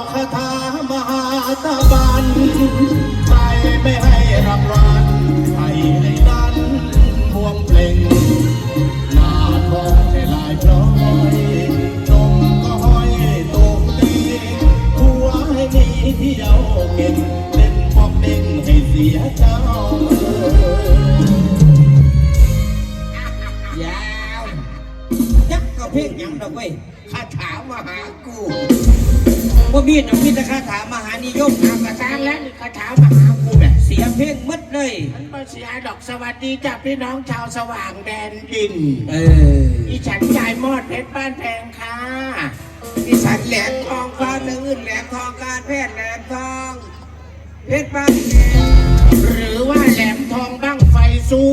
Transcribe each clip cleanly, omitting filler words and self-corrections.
คาถามหาตะบันใครไม่ให้รางวัลให้ดันพวงเพลงหน้าทองให้ลายพร้อยนมก็ห้อยตกตีหัวให้หนีเที่ยวเก่งเล่นบอกเด้งให้เสียเจ้ายาวยักษ์ก็เพ่งยังดอกเว้ยคาถามหากูว่ามีดมีแต่คาถามหานิยมทำกระซ้างแล้วคาถามหากูแบบเสียเพ่งมัดเลยมันไม่เสียดอกสวัสดีจ้าพี่น้องชาวสว่างแดนดินอีฉันยายมอดเพชรบ้านแพงค่ะอีฉันแหลมทองฟ้าเนื้ออื่นแหลมทองการแพทย์แหลมทองเพชรบ้านแพงหรือว่าแหลมทองบ้างไฟสู้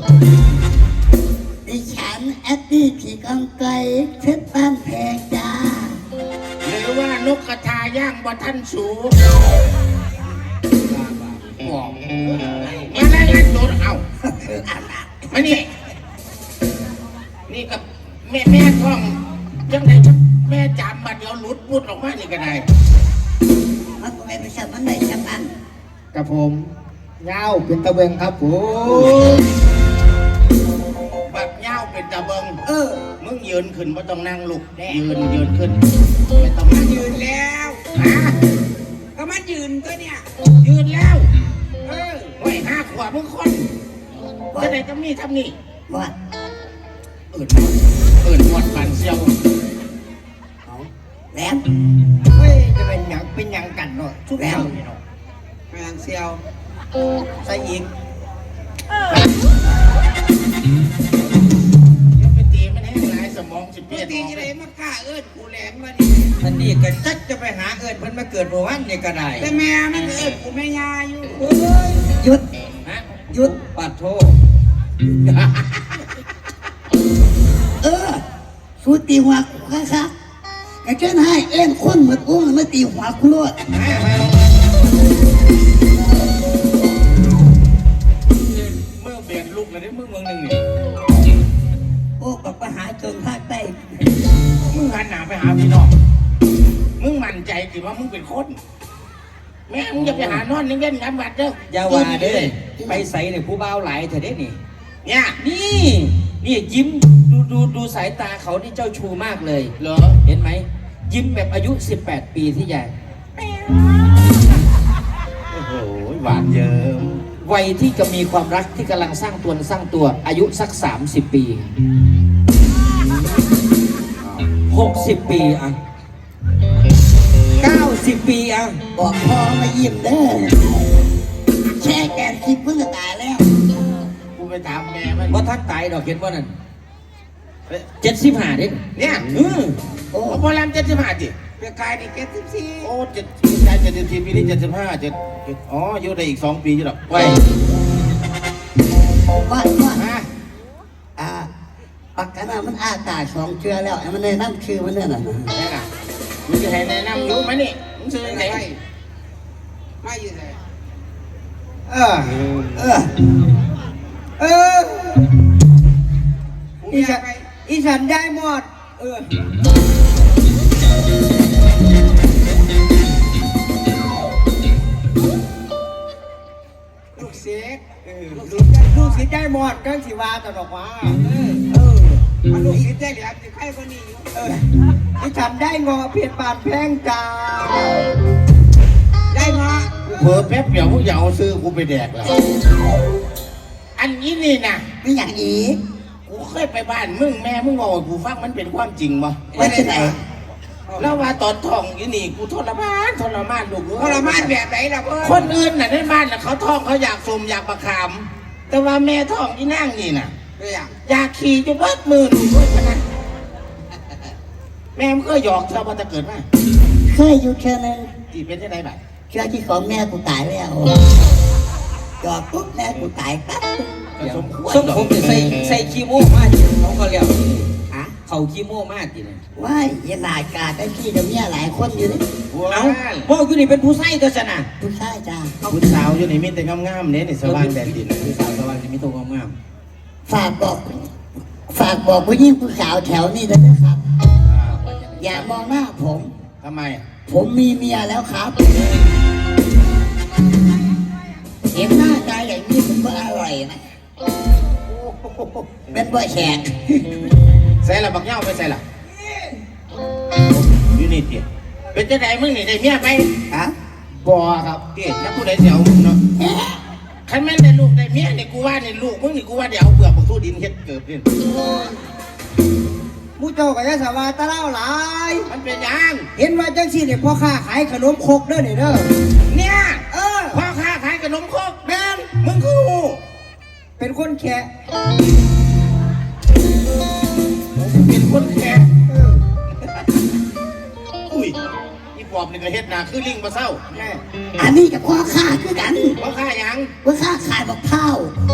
ดิฉันแอดดี้ขี่กองไกลเพชรบ้านแพงจ้าหรือว่านกกระทาย่างบนท่านสูงบอกมาแล้วงั้นโดนเอามานี่กับแม่ท้องยังไงแม่จำมาเดี๋ยวหลุดพูดออกมานี่ก็ได้มันก็ไม่ไปสับมันได้สับอันกับผมเงาเป็นตะเบงครับแบบเงาเป็นตะเบงมึงยืนขึ้นไม่ต้องนั่งลุกยืนขึ้นไม่ต้องนั่งยืนแล้วก็มันยืนก็เนี่ยยืนแล้วไว้5 ขวบมึงคนจะไหนจะมีทำนี่วัดเอิญหมดฝันเซียวแหลมเฮ้ยจะเป็นยังกันเนาะทุกอย่างเนาะแมงเซียวใส่อีกไปตีมันให้หลายสมองสิเปียตีอะไรมากล้าเอิญกูแหลมมาดิอันนี้ก็จักจะไปหาเอิญเพิ่นมาเกิดโบวันนี่ก็ได้แต่แม่มันเอิญกูแม่ยาอยู่หยุดหยุดปัดโทสู้ตีหัวค่ะกระเจ้าให้เอ็นคนเหมือนกูไม่ตีหัวกูรอดเมื่อเบียดลูกเลยได้เมืองหนึ่งนี่โอ้กับไปหาจนภาคใต้มึงหันหน้าไปหาพี่น้องมึงมั่นใจสิว่ามึงเป็นคนแม่มึงจะไปหานอนเล่นๆกันบัดเด้ออย่าว่าเด้อไปใส่เนี่ยผู้บ่าวหลายเถอะเด้นี่เนี่ยนี่ยิ้มดูสายตาเขานี่เจ้าชูมากเลยเหรอเห็นไหมยิ้มแบบอายุ18 ปีที่ใหญ่โอ้โหหวานเยิ้มวัยที่จะมีความรักที่กำลังสร้างตัวอายุสัก30 ปี60 ปีอ่ะ90 ปีอ่ะบอกพอมายิ้มเด้อแช่แกนคิดเพิ่งจะตายแล้วกูไปถามแม่มันว่าทักตายดอกเห็นว่านั่น75เด้เนี่ยโอ้พอแล้ว75จิเปียกายนี่74โอ้74ปีนี้75อ๋ออยู่ได้อีก2 ปีอยู่หรอกไว้ว่าปากกาหน้ามันอากาศ2 เชือแล้วมันในนั่นคือมันเนี่ยน่ะมึงจะให้แนะนำรู้ไหมนี่มึงซื้อไหนไม่อยู่ไหนอีฉันได้หมดลูกเสียลูกเสียได้หมดก็สิว่าตลอดว่าลูกเสียได้เหลือจะใครคนนี้อีฉันได้งอเพียรบาดแพงจ้าได้มาเผื่อแป๊บเดียวมึงอย่าเอาซื้อกูไปแดกแล้วอันนี้นี่นะไม่อย่างอีกกูเคยไปบ้านมึงแม่มึงบอกกูฟังมันเป็นความจริงมั้ยว่าจะไหนแล้วว่าตอนท้องอยู่นี่กูทรมานลูกทรมานแบบไหนล่ะเพื่อนคนอื่นน่ะในบ้านน่ะเขาท้องเขาอยากสมอยากประคำแต่ว่าแม่ท้องที่นั่งนี่น่ะอยากขี่จนเบิดมือลูกเพื่อนนะแม่มึงก็หยอกเธอว่าจะเกิดไหมเคยอยู่แค่นั้นที่เป็นที่ไหนบ้างเชื่อที่ของแม่กูตายแล้วหยอกปุ๊บแม่กูตายปั๊บสมผมจะใส่ขี้โม่มากน้องก็เรียกเขาขี้โม่มากจริงว้ายยันหลายกาได้ขี้เดี๋ยวนี้หลายคนอยู่นี่เอาพ่ออยู่นี่เป็นผู้ใส่ตัวชนะผู้ใส่จ้าผู้สาวอยู่นี่มีแต่งามๆเนี่ยในสว่างแดนดินผู้สาวสว่างจะมีตัวงามฝากบอกผู้หญิงผู้สาวแถวนี้ด้วยนะครับอย่ามองหน้าผมทำไมผมมีเมียแล้วครับเห็นหน้าตาอย่างนี้ผมก็อร่อยนะเป็นบ่แขกใส่ละบักเหย้าไปใส่ละอยู่นี่เตี้ยเป็นจะไหนมึงนี่ได้เมียไปฮะบ่ครับเตี้ยถ้าผู้ใดเสียวมึงเนาะคันแม่นได้ลูกได้เมียนี่กูว่านี่ลูกมึงนี่กูว่าเดี๋ยวเอาเปลือกของสู้ดินเฮ็ดเกิดนี่มูเจ้าก็จะสบายตะเล่าหลายมันเป็นหยังเห็นว่าจังซี่เนี่ยพ่อค้าขายขนมครกเด้อเนี่ยเด้อเนี่ยเออพ่อค้าขายขนมครกแม่นมึงคือหูเป็นคนแค่เป็นคนแก่อุ้ยอีปอบนี่ก็เฮ็ดหน้าคือลิงบ่เศร้าแน่อันนี้กับพ่อข้าคือกันพ่อค้าหยังพ่อข้าขายบักเผา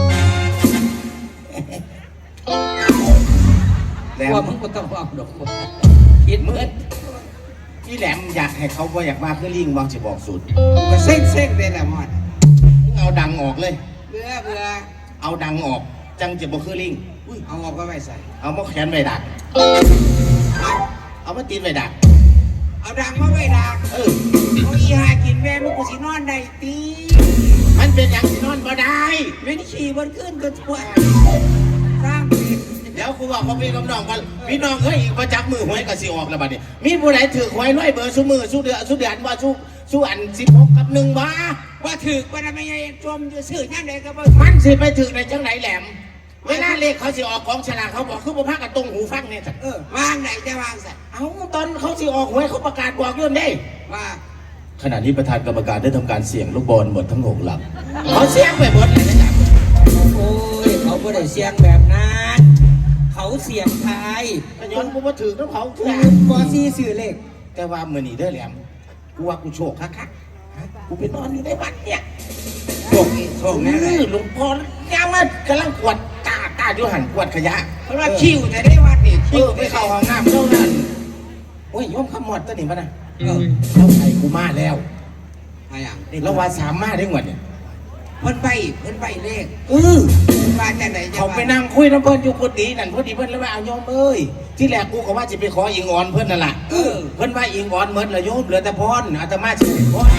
แหลมว่ามึงก็ต้องเอาดอกคิดเหมือนพี่แหลมอยากให้เขาบ่อยากมาคือลิงวางสิบอกสูตรก็เส้นๆไปแหละหมดมึงเอาดังออกเลยเบื่อเอาดังออกจังจะบ่คือลิงอุ้ยเอาออกก็ไม่ใส่เอามาแขวนไว้ดักเอามาตีนไว้ดักเอาดังมาไว้ดังเออเอาอีหากินแม่มึงกูสินอนได้ตีมันเป็นอย่างที่นอนบ่ได้ไม่ได้ขี่บนขึ้นก็ทั่วสร้างผิดเดี๋ยวกูบอกพ่อพี่กับน้องกันพี่น้องเอ้ยอีกประจับมือหวยก็สิออกแล้วบัดนี้มีผู้ใดถือหวยร้อยเบอร์สู้มือสู้เดือนว่าสู้อัน16กับ1บ่ว่าถือว่าทำไมยังจมอยู่สื่อยังไงก็บ่มันสิไปถึงในจังไหนแหลม เวลาเลขเขาสิออกของฉลากเขาบอกคือบ่พากันตรงหูฟังเนี่ยจ้ะวางไหนจะวางสัตว์เอ้าตอนเขาสิออกหวยเขาประกาศบอกยื่นได้ว่าขณะนี้ประธานกรรมการได้ทำการเสี่ยงลูกบอลหมดทั้ง6หลักเขาเสี่ยงไปหมดเลยนะครับโอ้ยเขาไม่ได้เสียงแบบนั้นเขาเสียงไทยก็ย้อนกูมาถือน้ำเขาเถื่อปอซีสื่อเลขแต่ว่ามื้อนี้เด้อแหลมกูว่ากูโชคคักๆกูไปนอนอยู่ในวัดเนี่ยโชคแน่เลยหลวงพ่อยามมันกำลังกวาดตาอยู่หันกวาดขยะเพราะว่าคิวจะได้วัดนี่คิวไปเข้าห้องน้ำเท่านั้นโอ้ยโยมขมอดตัวนี้ป่ะนะเออเราใส่กูมาแล้วอะไรอย่างนี่เราว่าสามมาได้หมดเนี่ยเพิ่นใบเลขเออมาจากไหนจะเขาไปนั่งคุยน้ำเพิ่นอยู่กุฏินั่นพอดีเพิ่นเลยว่าเอาโยมเอ้ยที่แรกกูก็ว่าจะไปขออิงอ่อนเพิ่นนั่นแหละเพิ่นว่าอิงอ่อนเหมือนละโยมเหลือแต่พรอาตมาสิพร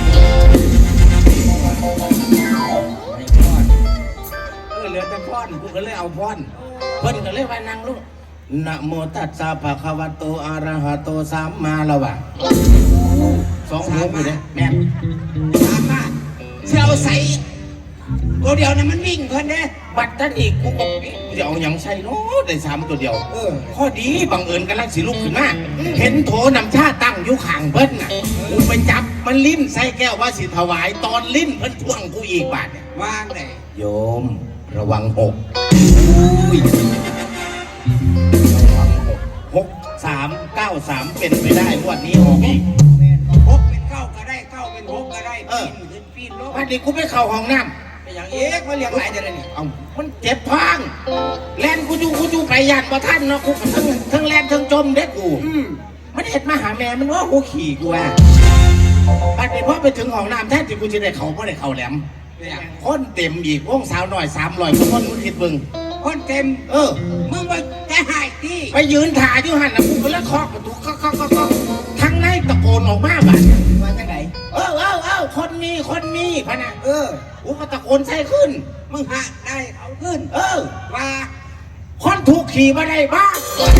เหลือแต่พรกูก็เลยเอาพรเพิ่นก็เลยว่านั่งลูกนะโมตัสสะภะคะวะโตอะระหะโตสัมมาแล้วว่ะ2 หูกูเด้แม่นสามารถเชี่ยวใส่ตัวเดียวนั้นมันวิ่งเพิ่นเด้บัตรนั่นอีกกูก็จะเอาหยังใส่เนาะได้3ตัวเดียวข้อดีบังเอิญกำลังสิลุกขึ้นมาเห็นโถนำชาตั้งอยู่ข้างเพิ่นน่ะกูไปจับมันลิ้นใส่แก้วว่าสิถวายตอนลิ้นเพิ่นท่วงกูอีกบาทเนี่ยวางไหนโยมระวัง6 6 3 9 3เป็นไปได้งวดนี้ออกอีกหกเป็นเก้าก็ได้เก้าเป็นหกก็ได้ปีนขึ้นปีนลงวันนี้กูไปเข้าห้องน้เป็นอย่างเอ๊ะมาเรียกหลายจะได้นี่ำเอามันเจ็บพังแลนกูอยู่ไปยันบ่ท่านเนาะกูทั้งแลนทั้งจมเด็กกู มันเห็ดมาหาแม่มันว่ากูขี่กูอ่ะบัดนี้พอไปถึงห้องน้ำแท้ที่กูจะได้เขาเพราะได้เขาแหลมเนี่ยคนเต็มอีกวงสาวหน่อย300กว่าคนมึงคิดมึงคนเต็มเออมึงว่าจะหายที่ไปยืนถ่ายอยู่หันนะกูก็เลยเคาะประตูเคาะทั้งในตะโกนออกมาบัดมาจากไหนเออคนมีพะนะ กูก็ตะโกนใส่ขึ้นมึงหาได้เขาขึ้นเออว่าคนถูกขี่มาได้บ้า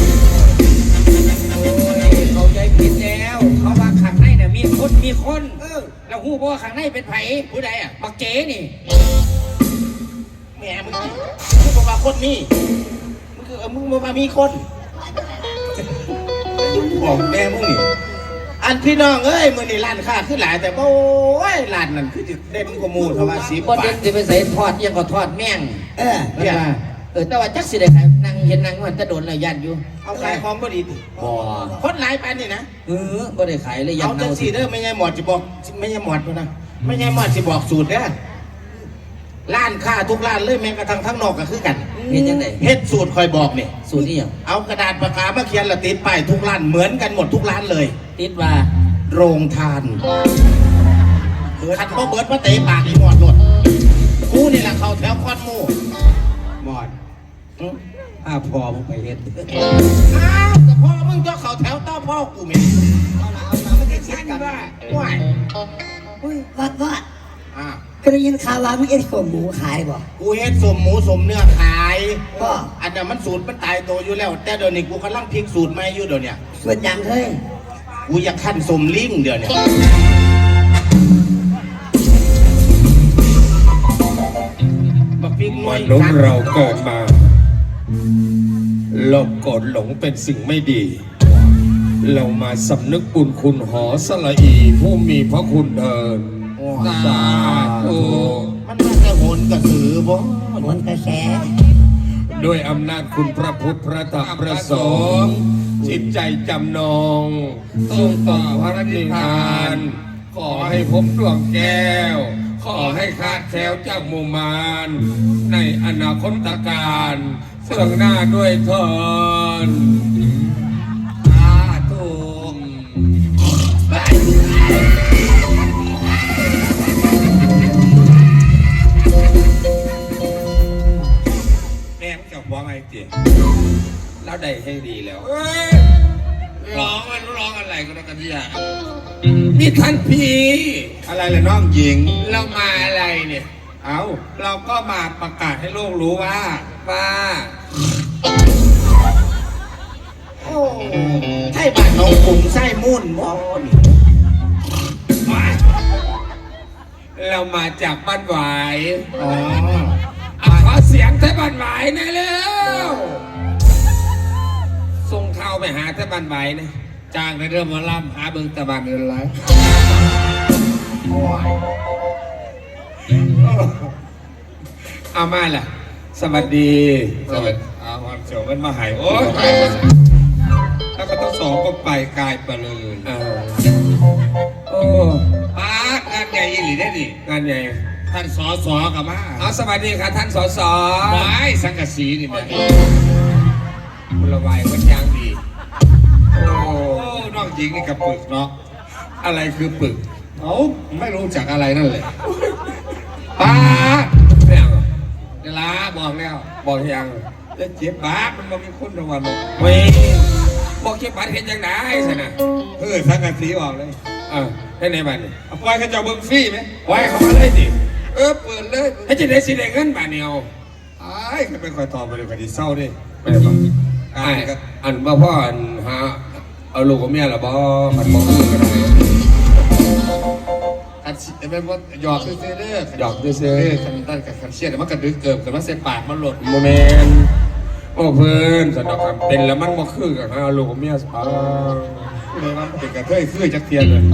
เขาใจผิดแล้วเขาว่าข้างในเนี่ยมีคนแล้วหูบอกว่าข้างในเป็นไผผู้ใดอ่ะบักเก๋นี่แม่มึงบอกว่าคนนี้มึงคือมึงบอกว่ามีคนบอกแม่มึงนี่อันพี่น้องเอ้ยมือนี่ร้านค้าขึ้นหลายแต่โอ้ยร้านนั่นคือจะเด่นกว่าหมูเท่าว่า10 บ่บาเด่ทนสิไปใส่ทอดยังก็ทอดแม่งเนี่ยแต่ว่าจักสิได้ขายนั่งเห็นนั่งมันจะโดนเลยยันอยู่เอาขายของบ่ดีดิบ่คนหลายปานนี่นะบ่ได้ขายเลยยัเอานจัเน่างสีเด้อไม่ใช่หมอดจะบอกไม่ใช่หมอดนะไม่ใช่หมอดจะบอกสูตรเด้อร้านค้าทุกร้านเลยแม้กระทั่งทั้งนอกก็คือกันเห็นจังได๋เฮ็ดสูตรคอยบอกนี่สูตรนี้หยังเอากระดาษปากกามาเขียนและติดป้ายทุกร้านเหมือนกันหมดทุกร้านเลยติดว่าโรงทานขัดบ่เบิดมาเตะปากอีหมอดหลดกูนี่แหละเขาแถวคอนหมู่หมอดอืมถ้าพอมึงไปเฮ็ดอ้าวแต่พ่อมึงจะเขาแถวต้อพ่อกูเหม็นเอาละมันจะชันกันว้ายว่าอ่ะก็ได้ยินข่าวว่ามึงเอ็ดขมหมูขายบ่กูเฮ็ดสมหมูสมเนื้อขายบ่อันนั้นมันสูตรมันตายตัวอยู่แล้ว แต่เดี๋ยวนี้กูกำลังพลิกสูตรใหม่อยู่เดี๋ยวเนี้ส่วนยังเฮ้ยกูอยากขั้นสมลิงเดี๋ยวเนี้ บักพริกน้มอยนุษย์เราเกิดมาโลภโกรธหลงเป็นสิ่งไม่ดี เรามาสำนึกบุญคุณหอสละอีผู้มีพระคุณเถิดสาธุมันน่าจะโหนกระสือบ่หมนกระแสด้วยอำนาจคุณพระพุทธพระธรรมพระสงฆ์จิตใจจำนงต้องต่อพระนิพพาน ขอให้พบดวงแก้ว ขอให้คลาดแคล้วจากหมู่มารในอนาคตการเสื่องหน้าด้วยเถิดสาธุแม่งจะฟ้องไอ้เจ๊แล้วได้ให้ดีแล้วร้องอะไรก็ได้กันที่อ่ะนี่ท่านพี่อะไรล่ะน้องหญิงเรามาอะไรเนี่ยเอาเราก็มาประกาศให้โลกรู้ว่า ใช่บ้านน้องกรุงไส้มุ่นบ่นี่เรามาจากบ้านหวายอ๋อขอเสียงไทยบ้านหวายหน่อยเร็วส่งข่าวไปหาไทยบ้านหวายนะจ้างในเรื่องมาล่ำหาเบิงตะบานเดินไรเอามาล่ะ สวัสดีเอาความเสียวมันมาหายโอ้ยแล้วก็ต้องสองก็ไปกายไปเลยโอ้ปางานใหญ่ยี่หลีได้ดิงานใหญ่ท่านสอสอกับมาเอาสวัสดีครับท่านสสไม้สังกะสีนี่แม่บุรวายวัดยางดี โอ้น้องหญิงนี่กับปึกเนาะอะไรคือปึกเขาไม่รู้จักอะไรนั่นเลยป้าไม่เอาเวลาบอกแล้วบอกยังจะเจ็บบ้ามันมามีคนระวังเว้ยบอกเก็บบัตรเห็นยังไงสินะสังกะสีออกเลยให้ในบ้านนี่เอาปล่อยเขาเจ้าเบิ้งฟรีไหมไว้เขามาเลยดิเปิดเลยให้จะได้สิได้เงินบ้านเนี่ยเอาไอ้ก็เป็นคอยตอบไปเลยคดีเศร้าดิไม่ได้บอกอันว่าพ่ออันหาเอาลูกกับเมียหรอบ่มันบอกคือกันเลยกันเป็นว่าหยอกซื้อเด้อหยอกซื้อกันตั้งกันเชียดมันกระดึกเกิบกันว่าเส้นปากมันหลุดโมเมนต์โอ้เพื่อนสนอกคำเป็นแล้วมันบ่คือกันเอาลูกกับเมียสปาเลยมันเป็นกระเทยคือจักเทียนเลย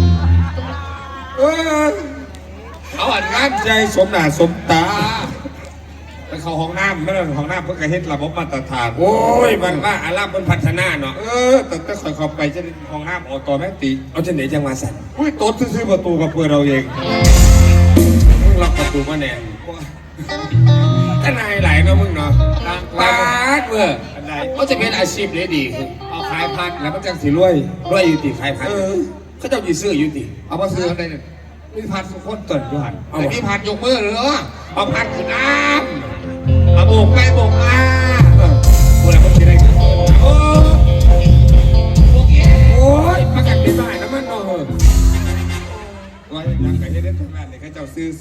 เอาอันงานใจสมหน้าสมตาไปเข้าห้องน้ำไม่ได้ห้องน้ำเพื่อกระเฮ็ดระบบมาตรฐานโอ้ยมันว่าอาราบมันพัฒนาเนาะแต่คอยเข้าไปจะห้องน้ำออโตแมติกเอาจะไหนจังหวะสั่นอุ้ยโต๊ดซื้อประตูกับเพื่อเราเองมึงล็อกประตูมาแน่ท่านนายไหลเนาะมึงเนาะปาดเว้ออันใดเขาจะเป็นอาชีพเลยดีคือเอาขายพัดแล้วมันจังสิรวยอยู่ติขายพันเขาเจ้าจีซื้ออยู่ติเอามาซื้ออันใดเนี่ยมีพัดสุกคนต้นอยู่หันเอาแต่มีพัดยกมือเหรอเอาพัดขึ้นน้ำเอาโบกไปโบกมากูแล้วมันจะได้ขึ้นโอ้โบกเองโอ้ยมากันเป็นบ้านนะมันเนาะว่ายังไงจะได้ทำงานเนี่ยเขาเจ้าซื้อ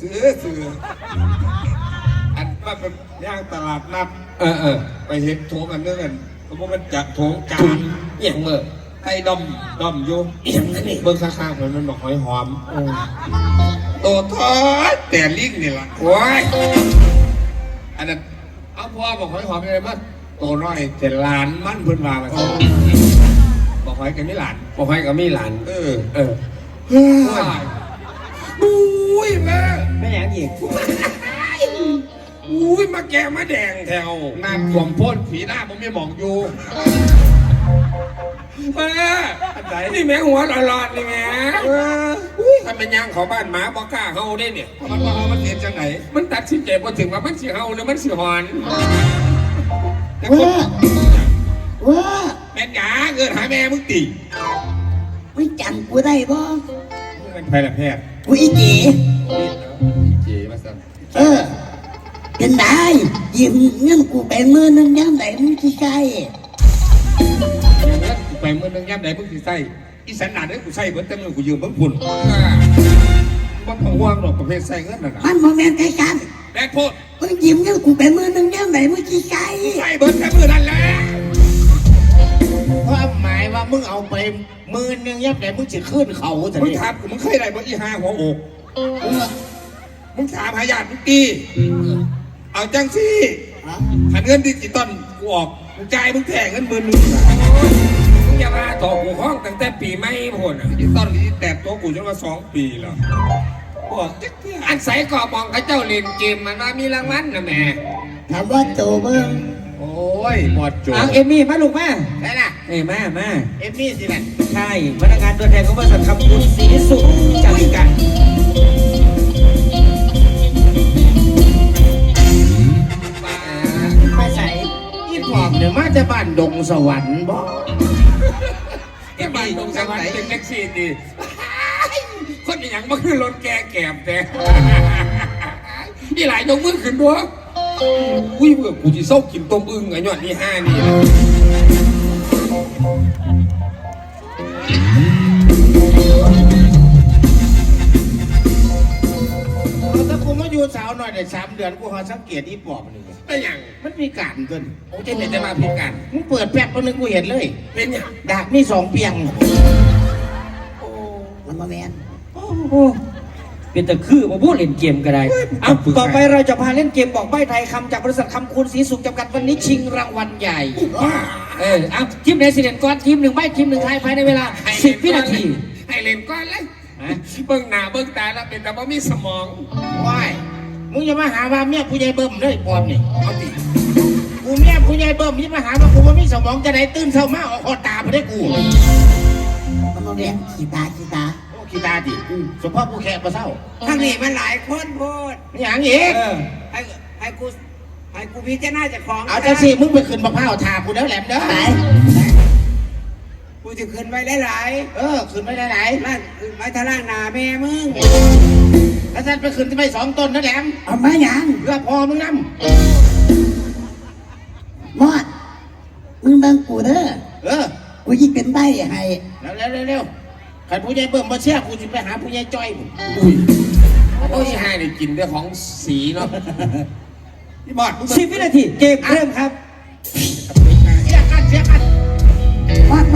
อันว่าเป็นย่างตลาดนัด ไปเห็นโถงกันเรื่องกันเพราะว่ามันจะโถงจาถุงนเอียงเมื่อไอ้ดอมอยู่เอียงนั่นนี่เบื้องข้างๆมันบอกหอยหอมโตทอดแต่ลิงนี่ล่ะโอ้ยอันนั้นเอาพ่อบอกหอยหอมอะไรมั้งโตน้อยแต่หลานมันเพิ่นมาแล้วบอกหอยกันไม่หลานบอกให้กับมีหลานเอออุ้ยแม่ไม่อย่างอีกอุ้ยมาแกมาแดงแถวน้ำท่วมพ่นผีหน้าผมไม่มองอยู่แม่นี่แม่หัวหลอนๆนี่แม่ถ้าเป็นยางของบ้านหมาบอกกล้าเฮาได้เนี่ยมันว่าเอามันเรียนจังไหนมันตัดสินใจพอถึงว่ามันสิเฮาหรือมันสิหอนว่าแม่นหยาเกิดหาแม่มึงตีไม่จำกูได้บ่เป็นแพทย์แพทย์กูอีจีเจ๋มาสั่นเป็นได้ยืมเงินกูไป10,000นึงย่ำไหนมึงที่ใช่ไปเมื่อนึงย่ำไหนมึงสิใส่อีสันหนาเนี่ยกูใส่เบิร์ตเต็มเลยกูยืมเบิ้งพุ่นมันต้องห่วงหรอกประเภทใส่เงินน่ะนะมันโมเมนต์ใกล้กันแบกโพดมึงยิ้มเงินกูเป็นมือหนึ่งยังไหนมึงขี้ไก่ใส่เบิร์ตแค่มือนั่นแหละความหมายว่ามึงเอาไป10,000ยับไหนมึงจะขึ้นเขาแต่มึงนี่ถามกูมึงเคยได้บ่อีห้าหัวอกมึงถามหาญาติมึงตีเอาจังสิขันเงินดิจิตอลกูออกกูจ่ายมึงแทงเงิน10,000มึงอย่ามาต่อกูห้องตั้งแต่ปีไม่พ้นดิจิตอลนี่แตะตัวกูจนว่า2 ปีแล้วบอกจักเที่ยอันใส่กรอบมองเขาเจ้าเล่นเกมมันว่ามีรางวัลนะแม่ถามว่าโจเบิ้งโอ้ยหมดโจเอาเอมี่มาลูกมาได้ล่ะเอ้ยมาเอมมี่สิแหละใช่พนักงานตัวแทนของบริษัทคำคุณศรีสุขจำกัดไปใส่อีปอบเนี่ยมาจากบ้านดงสวรรค์บ่แกบ้านตรงสวรรค์เป็นแท็กซี่ดีคนอย่างมาคือรถแกแกบแต่นี่หลายยกมือขึ้นด้วยอุ้ยเมื่อกูจะเศร้ากินต้มอึ่งไอ้ยอดนี่ห้านี่ถ้ากูมาอยู่สาวหน่อยได้3 เดือนกูหาสังเกตอีปอบนี่เป็นอย่างมันมีการเกินโอ้เจนจะมาพิการมึงเปิดแป๊บนึงกูเห็นเลยเป็นอย่างดากมี2 เปียงมันโมเมนต์โอ้โหเป็นแต่คือมาพูดเล่นเกมก็ได้เอาต่อไปเราจะพาเล่นเกมบอกใบ้ไทยคำจากบริษัทคำคุณศรีสุขจำกัดวันนี้ชิงรางวัลใหญ่เอาทีมไหนสิเด่นก่อนทีมหนึ่งใบ้ทีมหนึ่งไทยภายในเวลา10 วินาทีให้เล่นก้อนเลยเบิ้งหน้าเบิ้งตาแล้วเป็นแต่ว่ามีสมองว้ายมึงอย่ามาหาว่าเมียผู้ใหญ่เบิ่มเลยปอบนี่เอาดิกูเมียผู้ใหญ่เบิ่มอย่ามาหาว่ากูว่ามีสมองจะได้ตื่นเช้ามาออกคอตาไปได้กูมันโมเมนต์ขี้ตาโอ้ขี้ตาดิสมพ่อผู้แขกมาเศร้าทางนี้มันหลายคนโพดอย่างอีกให้กูพิจารณาจากของเอาจังสิมึงไปขึ้นมะพร้าวทากูเด้อแหลมเด้อไหนกูจะขึ้นไว้หลายขึ้นไม่ได้ไหนๆนั่นขึ้นไว้ทางล่างหนาแม่มึงแล้วฉันไปขึ้นที่ไป2 ต้นนะแหลมเอามาอย่างเพื่อพอมึงนมอดมึงเบิ่งกูเด้อำกูยิ่งเป็นใบให้เร็วใครผู้ใหญ่เบิ่มมาเชื่อกูจะไปหาผู้ใหญ่จ้อยมึงอุ้ยโอ้ยห้านี่กินด้วยของสีเนาะพี่บอด 10 วินาทีเกมเริ่มครับเสียกันมอด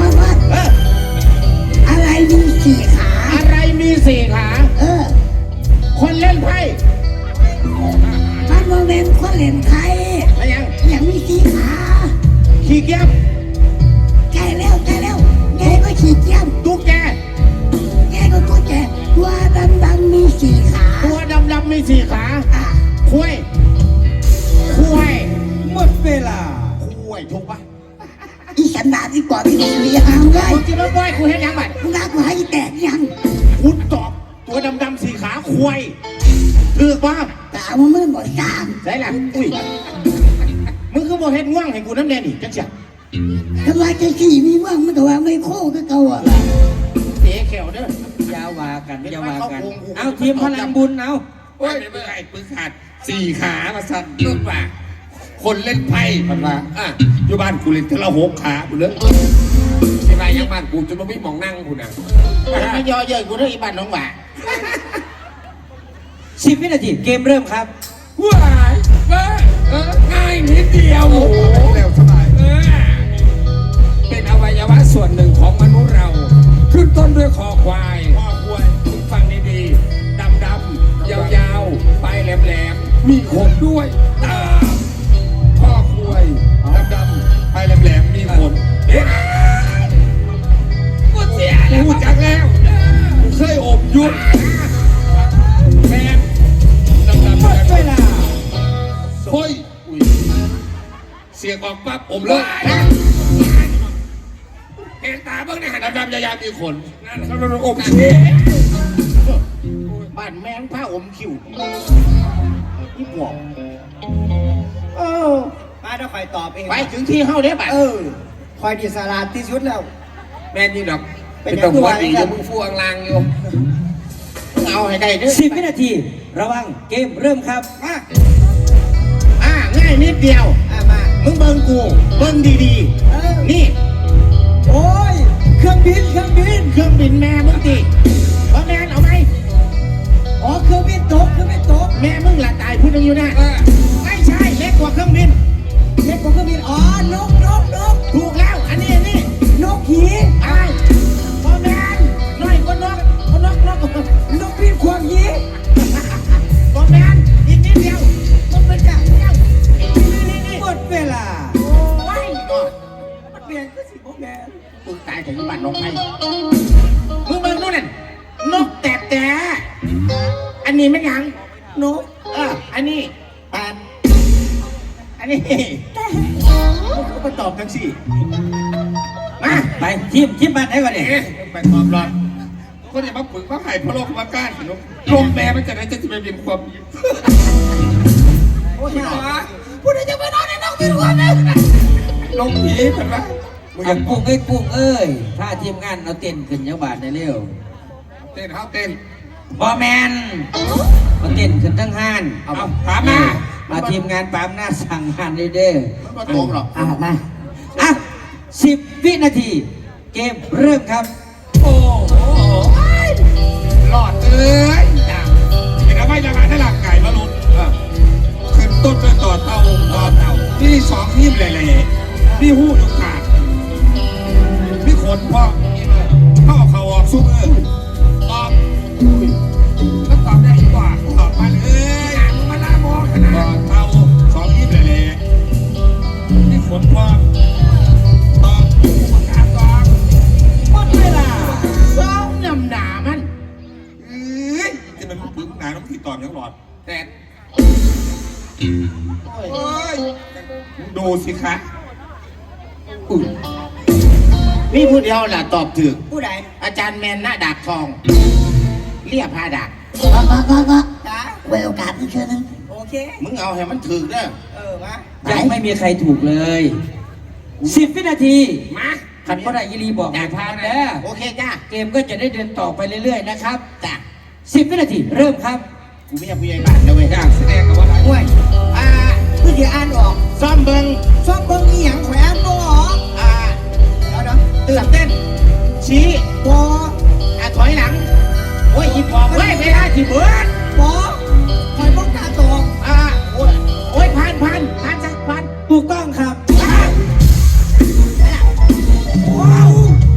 อะไรมีสี่ขาอะไรมี4 ขา คนเล่นไพ่มันโมเมนต์คนเล่นไทยอะไรยังอย่างมีสี่ขาขี้เกียจใกล้แล้วแกก็ขี้เกียจตุ๊กแกแกก็ตัวแกตัวดำมีสี่ขาตัวดำๆมี4 ขาอ่ะคุยหมดเวลาถูกปะอีสันดาที่ก่อนที่จะมีหางไงมึงจะมาบ่อยกูเห็นยังไงมึงด่ากูให้แตกยังกูตอบตัวดำๆ4 ขาคุยถือปะแต่เอามามึงบอกจามใช่ละอุ้ยมึงคือบ่เห็นง่วงให้กูน้ำแดงนี่จังเสียทำไมจะขี่มีว่างมันก็ว่าไม่โค้ก็เก่าอ่ะเตะแขวเด้ออยาวากันเอาทีมพลังบุญเอาโอ้ยไม่ไอ้ปืนขาด4 ขามาสั่นต้นว่าคนเล่นไพ่มันว่าอยู่บ้านกูเล่นทีละ6 ขากูเลยที่บ้านยังบ้านกูจนมันไม่มองนั่งกูนะไม่ย่อเยินกูเด้ออีบ้านน้องหว่า 10 วินาทีเกมเริ่มครับว้ายง่ายนิดเดียวโอ้โหเร็วสบายเป็นอวัยวะส่วนหนึ่งของมนุษย์เรา ขึ้นต้นด้วยคอควายฟังดีๆดำยาวๆปลายแหลมๆมีขนด้วยตามข้อควายดำๆปลายแหลมๆมีขนเอ๊ะกูเสียแล้วกูจักแล้วกูเคยอบยุบแมนดำหมดเวลาเฮ้ยเสียงออกปั๊บผมเลยเห็นตาบ้างเนี่ยดำๆยาวๆมีขนนั่นเขาโดนอมเชี่ยบ้านแมงผ้าอมคิวอีปอบมาถ้าคอยตอบเองไปถึงที่เฮาได้บัดคอยดีสลาดที่สุดแล้วแม่นี่ดอกเป็นตำรวจดีอยู่มึงฟูอังลางอยู่เอาให้ได้เด้อ 10 วินาทีระวังเกมเริ่มครับง่ายนิดเดียวมามึงเบิ่งกูเบิ่งดีๆนี่โอ้ย คือรื่องบินเครื่องบินเครื่องบินแม่มึงดิว่าแม่นเอาไหมอ๋อเครื่องบินตกเครื่องบินตกแม่มึงละตายพูดยังอยู่นะไม่ใช่เล็กกว่าเครื่องบินเล็กกว่าเครื่องบินอ๋อนกนกนกถูกแล้วอันนี้นกหีอะไรว่าแม่นน้อยกว่านกนกบินควงหีว่าแม่นอีกนิดเดียวต้องเป็นแบบนี้นี่หมดเวลาโอ้ยมันเปลี่ยนก็สิบ่แม่นมึงตายถึงบ้านนกไทยมึงเบิ่งนู่นน่ะนกแต่อันนี้ไม่ยังนกอันนี้แปดอันนี้มึงก็มาตอบกันสิมาไปทีมบ้านไหนก่อนเนี่ยไปตอบรับก็อย่ามาฝึกมาไห่พะโลกมาก้านนกลมแม่มันจะไหนจะไปเป็นความโอ้ยหนอผู้ใดจะไปนอนในนกบินควงเนี่ยลงผีเห็นไหมเอากุ้งเอ้ยถ้าทีมงานเอาเต้นขึ้นยังบาทในเร็วเต้นเท้าเต้นบอแมนมาเต้นขึ้นทั้งห้านเอาถามมามาทีมงานปามหน้าสั่งงานเด้อมันก็ตรงหรอกมาอ่ะ10 วินาที เกมเริ่มครับโอ้โหหลอดเอ้ยเห็นไหมยังไงถ้าหลักไก่มาลุ้นขึ้นต้นด้วยต่อเต่านี่สองทีมเลยนี่หู้ทุกขาดนี่ขนพ่อเข้าเขาออกซุ้มตอบก็ตอบได้อีกว่าตอบมาเลยมาลาโมขนาดเต่าสองทีมเลยนี่ขนพ่อตอบประกาศตอบหมดเวลาสองยำหนามันจะเป็นปึ้งหนาน้ำที่ตอนยังหลอดแต่ดูสิคะมีผู้เดียวแหละตอบถูกผู้ใดอาจารย์แมนหน้าดากทอง เรียบผ้าดากมาจ้าไว้โอกาสอีกเชิญนึงโอเคมึงเอาให้มันถึกเด้อมายังไม่มีใครถูกเลย 10 วินาทีมาขันพ่อได้ยิรีบอกให้พานเด้อโอเคจ้าเกมก็จะได้เดินต่อไปเรื่อยๆนะครับจ้า 10 วินาทีเริ่มครับกูไม่ใช่ผู้ใหญ่บ้านนะเว้ยอยากแสดงกับว่าอะไรห่วยผู้เดียวอ่านออกซ่อมเบิงชอบเบิ่งอีหยังแขวนบ่ออก เดี๋ยวตื่นเต้น ชี้บ่ถอยหลัง โอ้ยอีพอเว้ยเวลาที่เบิดบ่คอยบ่กล้าตอบโอ้ยผ่านสักผ่านถูกต้องครับว้าว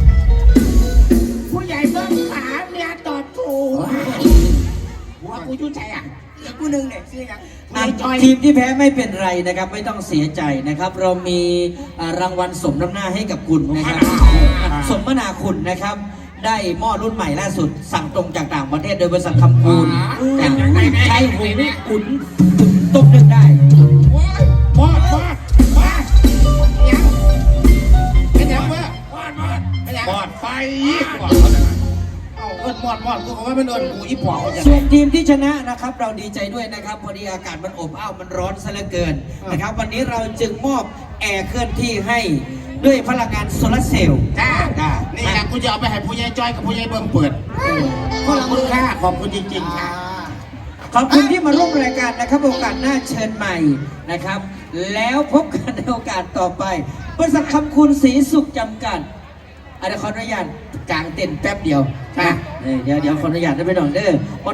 ผู้ใหญ่เบิ้งขาเมียตอบถูกว่ากูยุ่งใจอ่ะอีกผู้หนึงเนี่ยชื่อหยังทีมที่แพ้ไม่เป็นไรนะครับ ไม่ต้องเสียใจนะครับ เรามีรางวัลสมน้ำหน้าให้กับคุณนะครับ สมนาคุณนะครับ ได้หม้อรุ่นใหม่ล่าสุด สั่งตรงจากต่างประเทศโดยบริษัทคำคูณใช้หุงอุ่นต้มนึ่งได้มอดยังเป็นยังเว้ยเป็นยังบอดไฟเอาเอิ้นมอดกูก็ว่ามันเอิ้นกูอีปอบอย่างส่วนทีมที่ชนะนะครับ เราดีใจด้วยนะครับ พอดีอากาศมันอบอ้าวมันร้อนซะเหลือเกินนะครับ วันนี้เราจึงมอบแอร์เคลื่อนที่ให้ด้วยพลังงานโซลาร์เซลล์จ้านี่แหละกูจะเอาไปให้ผู้ใหญ่จ้อยกับผู้ใหญ่เบิ่มเปิดขอบคุณค่ะขอบคุณจริงๆค่ะขอบคุณที่มาร่วมรายการนะครับ โอกาสหน้าเชิญใหม่นะครับ แล้วพบกันในโอกาสต่อไปบริษัทคำคุณศรีสุขจำกัดขออนุญาตกลางเต็นท์แป๊บเดียวนะเดี๋ยวขออนุญาตได้ไปหน่อยเด้อ